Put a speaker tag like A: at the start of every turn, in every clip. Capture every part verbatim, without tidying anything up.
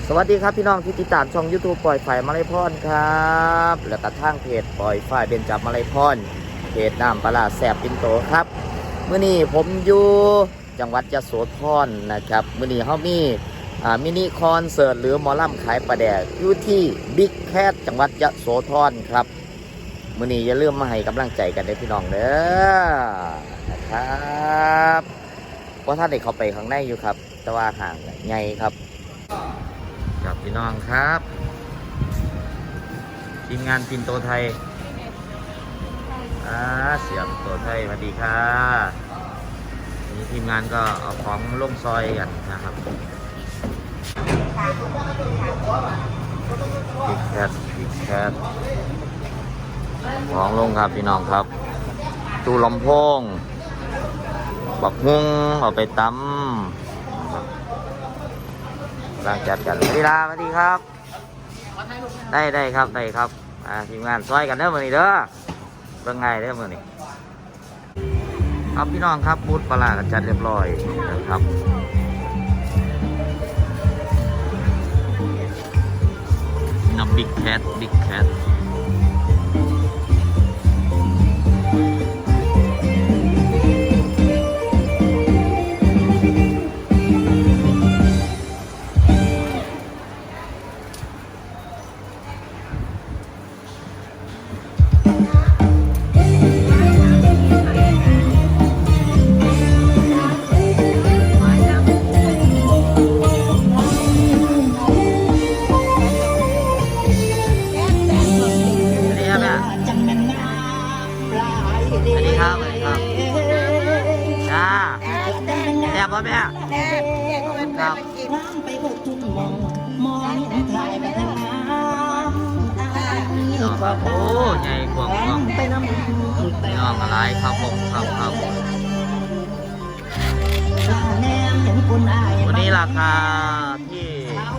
A: สวัสดีครับพี่น้องที่ติดตามช่อง ยูทูบ ปล่อยฝ่ายมาลัยพรครับและกระทั่งเพจปล่อยฝ่ายเบญจมาลัยพรเพจน้ำปลาแสบปินโตครับเมื่อนี้ผมอยู่จังหวัดยโสธรนะครับเมื่อนี้เขามีมินิคอนเสิร์ตหรือหมอลำขายปลาแดกอยู่ที่บิ๊กแคทจังหวัดยโสธรครับเมื่อนี้อย่าลืมมาให้กำลังใจกันด้วยพี่น้องเด้อนะครับเพราะท่านเด็กเขาไปข้างในอยู่ครับแต่ว่าห่างใหญ่ครับกับพี่น้องครับทีมงานปินโตไทยอ่าเสียบโตไทยสวัสดีค่ะนี่ทีมงานก็เอาของลงซอยกันนะครับบิ๊กแคทบิ๊กแคทของลงครับพี่น้องครับตู้ลำโพงบักฮุ้งเอาไปตำร่างจัดกันสวัสดีลาสวัสดีครับได้ได้ครับได้ครับอ่าทีมงานซอยกันเด้อมือนี้เด้อเบิ่งไงเด้อมือนี้ครับพี่น้องครับบูธปลากันจัดเรียบร้อยนะครับน้ำบิ๊กแคทบิ๊กแคทพ่อแม่ครับไปหมดทุกมองมองถ่ายไปทางน้ำโอ้ใหญ่กว่างกว่างไปน้ำพี่น้องอะไรครับผมครับครับวันนี้ราคาที่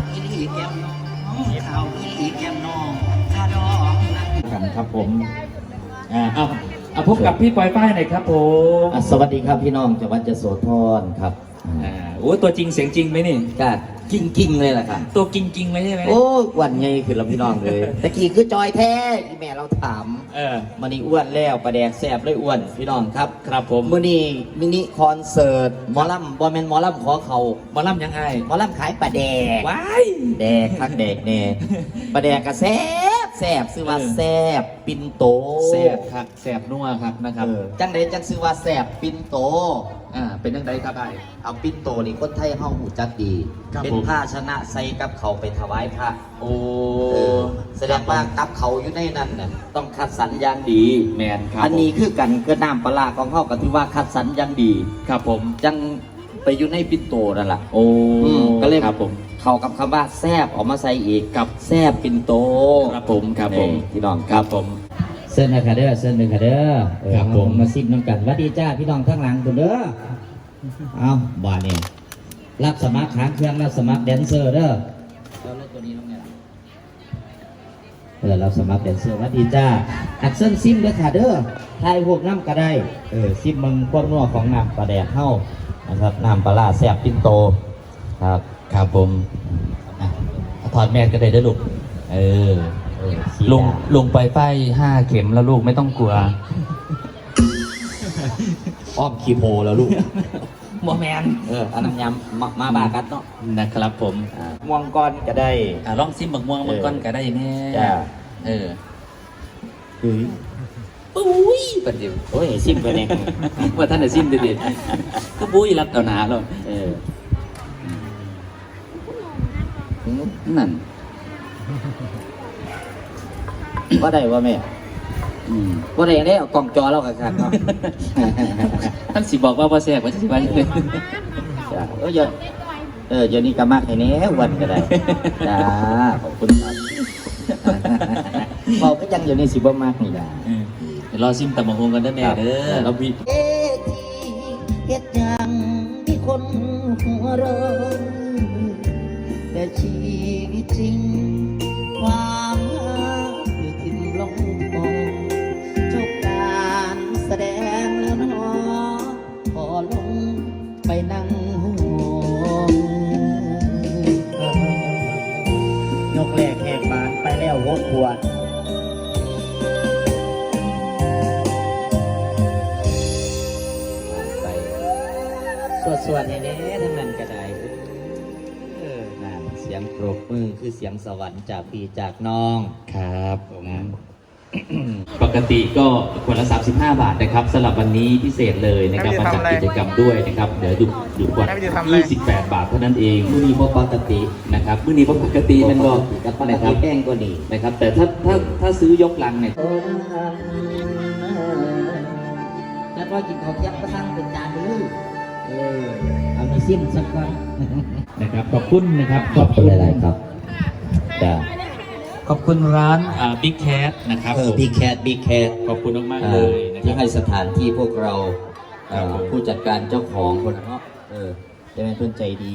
B: กันครับผมอ่าเอาเอาพบกับพี่ปอยป้ายหน่อยครับผม
A: สวัสดีครับพี่น้องจังหวัดยโสธรครับ
B: อ่าโอ้ตัวจริงเสียงจริงไหมนี่
A: ก็กิ้งกิ้งเลยแหละครับ
B: ตัวกิ้งกิ้งไหมใช่ไหม
A: โอ้วันไงคือเราพี่น้องเลยตะกี้คือจอยแท้ที่แม่เราถาม
B: เออ
A: มันนี่อ้วนแล้วประแดกแสบเลยอ้วนพี่น้องครับ
B: ครับผม
A: มื่อนี้มินิคอนเสิร์ตหมอลำบอมเมนหมอลำขอเขา
B: หมอลำยังไง
A: หมอลำขายปลาแดก
B: ว้าย
A: แดกคักแดกแน่ปลาแดกกระแซบแซบซื้อว่าแซบปินโต
B: แซบครับแซบนัวครับนะครับ
A: จังเดจังซื้อว่าแซบปินโต
B: อ่าเป็นยังไงครับไอ้
A: เอาปินโตนี่คนไทยเฮาหูจักดีเป็นภาชนะใส่กับเขาไปถวายพระ
B: โอ้
A: แสดงว่ากับเขาอยู่ในนั้นน่ะต้องคัดสรรอย่างดี
B: แมนครับ
A: อันนี้คือกันก็น้ำปลาของเขาก็ถือว่าคัดสรรอย่างดี
B: ครับผม
A: จังไปอยู่ในปินโตนั่นแหละ
B: โอ้
A: ก็เลย
B: ครับผม
A: เขากับคำว่าแซบออกมาใส่อีกกับแซบปินโต
B: ครับผมครับผม
A: พี่น้อง
B: ครับผม
A: เส้นนะคาเด้อเส้นหนึ่งคาเด้อครับผมมาซิมน้ำกันวัดดีจ้าพี่น้องทั้งหลังคุณเด้อเอาบ้านนี้รับสมัครหางเครื่องรับสมัครแดนเซอร์เด้อเราเล่นตัวนี้ลงไงล่ะเออรับสมัครแดนเซอร์วัดดีจ้าอัดเส้นซิมเด้อค่ะเด้อทายพวกน้ำก็ได้เออซิมมึงพวกนัวของน้ำปลาแดกเข้านะครับน้ำปลาแซ่บปินโตครับ
B: ครับผมถอดแมสก็ได้เด้อลูกเออลงลงไปไฟห้าเข็มแล้วลูกไม่ต้องกลัว
A: อ้อมคีโพแล้วลูก
B: โมแมน
A: เอออันนั้นยำมามาบากัดเนาะ
B: นะครับผม
A: ม่วงก้อนก็ได้
B: อ่าลองซิมบักม่วงมันก้อนก็ได้แม่เออ
A: อุ้ย
B: ปุ้ยประเดี๋ยว
A: โอ้ยซิมไปเนี่ย
B: ว่าท่านจะซิมเด็ดๆก็ปุ้ยรับต่อหนาแล้ว
A: เออ
B: นั่น
A: ว่าได้ว่าแม่ว่าได้เนี่ยกล่องจอเรากันครับ
B: ท่านสิบอกว่าพ่อแซ่บว่าจะสิบ้านเลย
A: เออเยอะเออเดี๋ยวนี้ก็มากให้เนี้ยวันก็ได้จ้าขอบคุณครับบอกก็ยังอยู่ในสิบมากนี่แหละ
B: เดี๋ยวรอซิมตะมงคงกันได้แม่เด้อเรามี
A: เอทีเฮ็ดยังที่คนหัวร้อนแต่ชีวิตจริงความอยู่ทิ้งลงมองจบการแสดงแล้วเนาะขอลงไปนั่งห่วงแน่ๆทั้งนั้นก็ได้เออนั่นเสียงปรบมือคือเสียงสวรรค์จากพี่จากน้อง
B: ครับผม ปกติก็ขวดละสามสิบห้าบาทนะครับสำหรับวันนี้พิเศษเลยนะครับมาจัดกิจกรรมด้วยนะครับเดี๋ยวหยุดหยุดขวดยี่สิบแปดบาทเท่านั้นเอง
A: ผู้นี้บ่ปกติ
B: นะครับมื้อนี้ปกติมันก็
A: กับปก
B: นะค
A: ติ
B: รับ
A: แป้งก็ดี
B: นะครับ แต่ถ้าถ้าถ้าซื้อยกลังเนี่ย
A: แล้วก็กินข้าวเที่ยงก็สั่งเป็นจานไปเลยเออเอามีซิมสักก่อน
B: นะครับขอบคุณนะครับ
A: ขอบคุณหลายๆครับจ้า
B: ขอบคุณร้านอ่าบิ๊กแคทนะครับ
A: เออบิ๊กแคทบิ๊กแคท
B: ขอบคุณมากๆเลยนะค
A: ที่
B: รับ
A: ให้สถานที่พวกเราเอ่อ
B: ครับผม
A: ผู้จัดการเจ้าของคนเนาะเออจะเป็นเพื่อนใจดี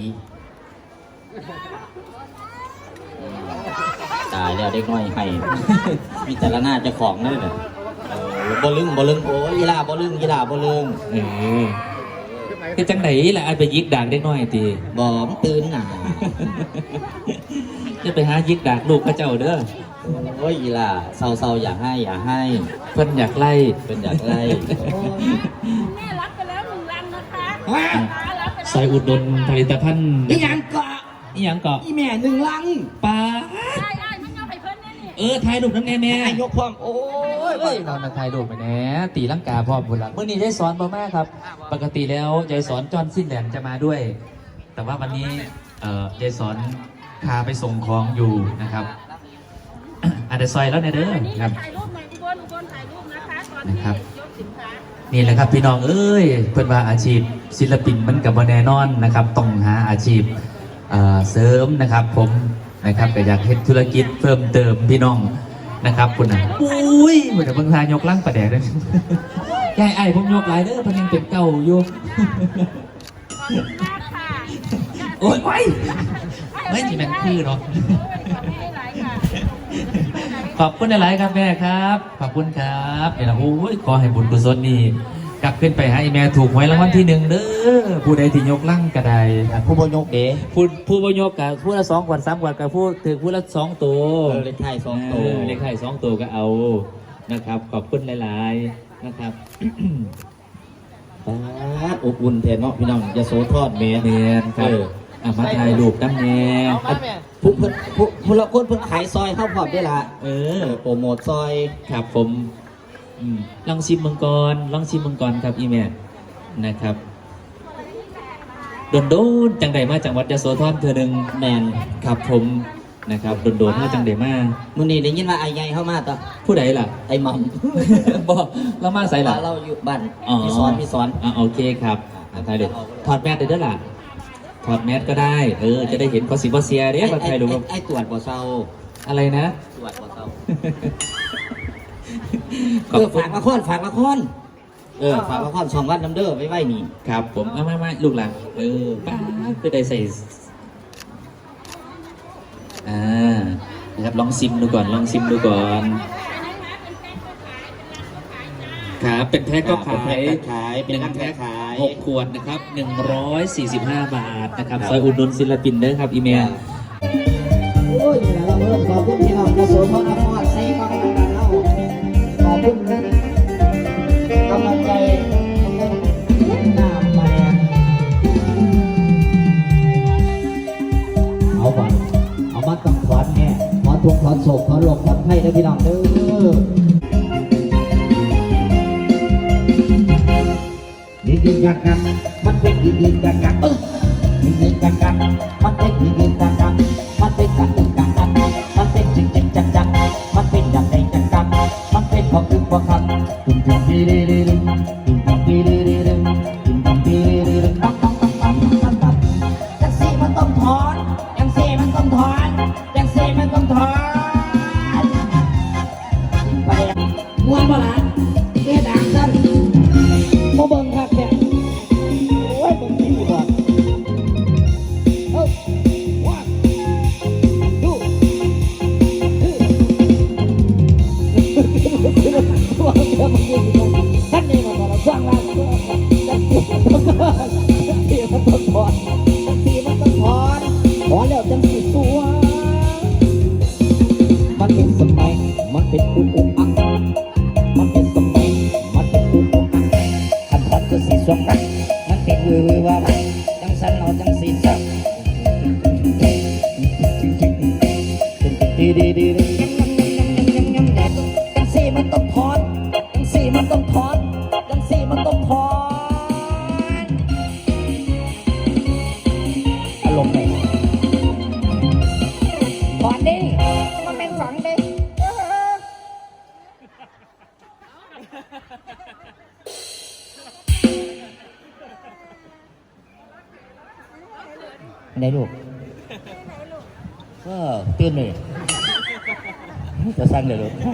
A: อืมตายแล้วได้น้อยให้ มีแต่ละหน้าเจ้าของเลยเนี่ยเออบลึงบลึงโอ้ยยีราบลึงยีราบลึง
B: เออคือจังไหนล่ะอันไปยิกดากได้น้อยตี
A: บอมตื่นหนา
B: จะไปหายิกดากลูกพระเจ้าเด้อ
A: โอ้ยยีราเศร้าๆอย่าให้อย่าให้
B: เพิ่นอยากไล่
A: เป็นอยากไล่โอ้ย
C: แม่รับไปแล้วหนึ่งลังนะคะ
A: ฮะ
C: รับไปแล้ว
B: ใส่อุดหนุนผลิตภัณฑ์
A: อีหยังเกาะ
B: อีหยังเกาะ
A: อีแม่หนึ่งลัง
B: ปลา
C: ได้ได้มันเอาไปเพิ่นแน่นี่
B: เออถ่ายรูปน้ำแน่แม่
A: ไอ้ยกความโอ้ย
B: เอ้ยนอนมาถ่ายรูปไปแน่ตีลังกาพ่อบุญละเมื่อนี้ยายสอนพ่อแม่ครับ ปกติแล้วยายสอนจอนสิ้นแหลมจะมาด้วย แต่ว่าวันนี้เอ่อยายสอนพาไปส่งของอยู่นะครับ อาจจะซอยแล้วเนี่ยเด้อ
C: อันนี้
B: ครับ
C: ถ่ายรูปหน่อยทุกคนทุกคนถ่ายรูปนะคะตอน
B: นะ
C: ที่
B: ครับ
C: ยกสินค้า
B: นี่แหละครับพี่น้องเอ้ยเพื่อนว่าอาชีพศิลปินมันกับแน่นอนนะครับต้องหาอาชีพเอ่อเสริมนะครับ ผมนะครับก็อยากเฮ็ดธุรกิจเพิ่มเติมพี่น้องนะครับคุณน่ะอุ้ยเหมือนเบิ่งทายกลังประแดกเลย ยายไอ้ผมยกหลายเด้อเพันยังเป็นเก่าอยู่
C: ขอบคุณมากค่ะ
B: โอ้ยไม่ไม่จีแมนคือเนาะ
C: ขอบคุณหลายค่ะ
B: ขอบคุณหลายๆครับแม่ครับ ขอบคุณครับเนี่ยนะโอ้ยขอให้บุญกุศลนี่กลับขึ้นไปให้แม่ถูกหวยรางวัลที่หนึ่งเด้อผู้ใดที่ยกลั่งก็ได้
A: ผู้บยกเด้
B: ผู้ผู้บยกกับผู้ละสองขวดสามขวดกับผู้ถือผู้ละสองตัว
A: เออเลขไทายสองตัว
B: เออเลขไข่สองตัวก็เอานะครับ ขอบคุณหลายๆนะครับ
A: ปาดอบอุ่นแทนเนาะพี่น้องยาโสทอดแม่
B: เนียนครับ
A: เออ
B: อ่ะมาถ่ายรูปตั้งแน่
A: ผู้เพิ่นผู้ผู้ละคนเพิ่นขายซอยเข้าพร้อมได้ละ
B: เอ
A: เอ
B: อ
A: อโปรโมทซอย
B: ครับผมอืมลองชิมมังกรลองชิมมังกรครับอีแม่นะครับโดนโดนๆจังใดมาจังหวัดยโสธรเธอหนึ่ง
A: แมน
B: ครับผมนะครับโดนโดนๆมาจังใดมา
A: มื้อนี้ได้ยินว่าไอ้ใหญ่เข้ามาต่อ
B: ผู้ใดล่ะ
A: ไอ้หม่อม
B: บอกเรามาใส่ล่ะ
A: เราอยู่บ้าน
B: อ๋อ
A: พี่สอนพี่สอน
B: อ่ะโอเคครับอ่ะถ่ายรูปถอดแมสได้ด้วยล่ะถอดแมสก็ได้ เออ จะได้เห็นคอสิบเซียเด้
A: ไอ้
B: มา
A: ไอ้
B: ถ่ายรูป
A: ไอ้ไอ้ตรวจบ่เซา
B: อะไรนะ
A: ตรวจบ่เซา
B: ขอบ
A: เออ
B: คุณ
A: ฝากละครฝากละครเออฝากละครสองวันน้ำเด้อไว้ไว้นี่
B: ครับผมเอามามาลูกหลังเออป้าดไปได้ใส่อ่านะครับลองซิมดูก่อนลองซิมดูก่อนครับเป็นแพ็คก็ขาย
A: เป็นขายเป็น
B: ห
A: นั
B: นึ่
A: ก
B: งแพ็ค
A: ขาย
B: หกขวดนะครับหนึ่งร้อยสี่สิบห้าบาทนะครับซอยอุดหนุนศิลปินเด้อครับอีเมล
A: โอ้ยเราเริ่มขอบคุณพี่น้องยโสธรนครใส่ฟังกันเราขอบคุณกำลังใจน้ำมาแดงเอาก่อนเอามาต้องถอนแน่ถอนทุกข์ถอนโศกถอนโรคถอนไข้เด้อพี่น้องเด้อดีดีกันกันมันเป็นดีดีกันกันเออดีดีกันกันมันเป็นดีดีกันกันมันเป็นกันกันกันมันเป็นจริงจริงจังจังมันเป็นอย่างใดจังจังมันเป็นพอคือพอคำตึงตึงดีดีดีตึงตึงดีดีดีตึงตึงดีดีดีตึงตั้งตั้งตั้งตั้งตั้งตั้งยังสี่มันต้องถอนยังสี่มันต้องถอนยังสี่มันต้องถอนไปมวนบ่ล่ะเฮ็ดดังซั่นบ่เบิ่งคักแท้โอ้ยเบิ่งที่บ่เอ้าว่าดูท่านนี่มาบอกเราสร้างร้านจังสีมันต้องถอนจังสีมันต้องถอนจังสีมันต้องถอนถอนแล้วจังสีสวยเด้มันเป็นสองเด้ไหนลูกก็ตื่นเลยจะสั่งเลยลูก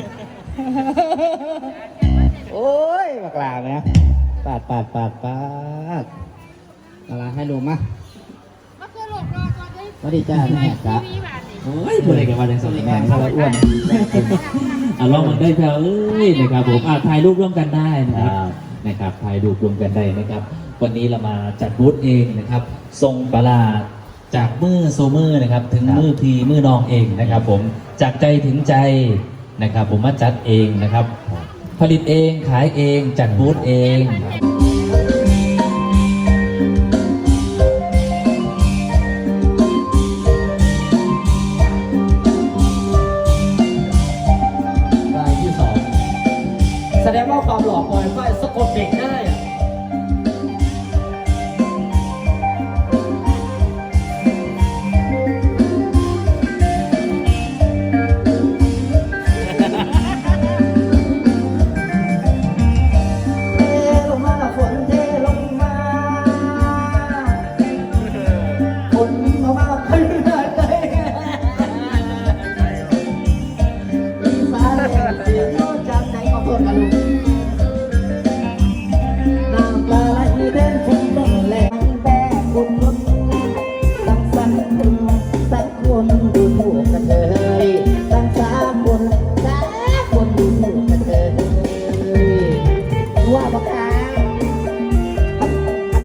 A: โอ้ยบักลาไหมปาดปาดปาดปาดอะไรให้ลูกมา
C: มาคือหลบรอก่อนเลย
A: สวัสดีจ้าแม่จ้า
C: มีบาทนี่
B: โอ้ยพูดอะไรกันมาในสมัย
A: แม่
B: นี้
A: เขาละอ้วน
B: อ่ะลองมันได้แถวเอ้ยนะครับผมอ่ะถ่ายรูปร่วมกันได้นะครับนะครับถ่ายรูปร่วมกันได้นะครับ วันนี้เรามาจัดบูธเองนะครับทรงปลาจากมือโซมือนะครับ ถึงมือพีมือน้องเองนะครับ ผมจากใจถึงใจนะครับ ผมมาจัดเองนะครับ ผลิตเองขายเองจัดบูธเอง